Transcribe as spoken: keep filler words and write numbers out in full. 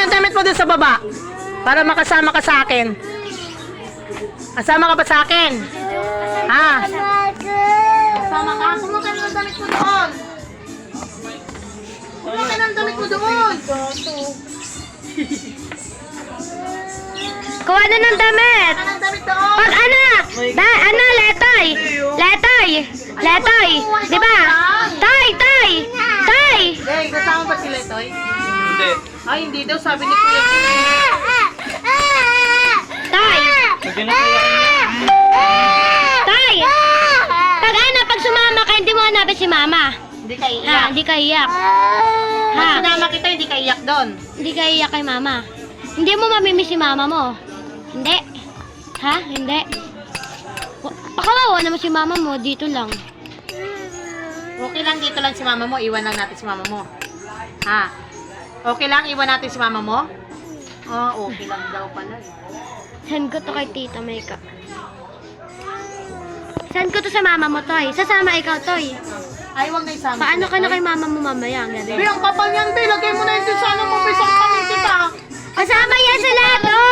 yung damit mo dun sa baba. Para makasama ka sa akin. Kasama ka ba sa akin? Ha? Kasama ka? Kumuha ka ng damit mo doon. Kumuha ka ng damit mo doon. Kuha na ng damit. Kumuha ka ng damit doon. Pag ano? Da, ano, letoy. Letoy. Letoy. Di ba? Tay, tay. Tay. Hey, kasama ba si Letoy? Hindi. Ay, hindi daw. Sabi ni Kuya. Tay. Lagyan na kaya Tay. Pag ano, pag sumama ka, hindi mo hanapin si mama. Hindi ka Ha, iiyak. hindi ka iyak. Pag Ha, sinama kita, hindi ka iyak doon. hindi ka iyak kay mama. Hindi mo mamimiss si mama mo. Hindi. Ha? Hindi. Wa- Pakawawa naman si mama mo, dito lang. Okay lang, dito lang si mama mo. Iwan lang natin si mama mo. Ha? Okay lang, iwan natin si mama mo? Oh, okay lang daw pala. eh. Send ko to kay Tita Maika. Send ko to sa mama mo, Toy. Sasama ikaw, Toy. Ay, wag na isama. Paano si ka na Letoy. kay mama mo mamaya ang gabi? Be, ang kapal niyan, Be. Lagay mo na yun dun sa ano mo, Be. Sa pamilya kita. Kasama yan sila, Toy!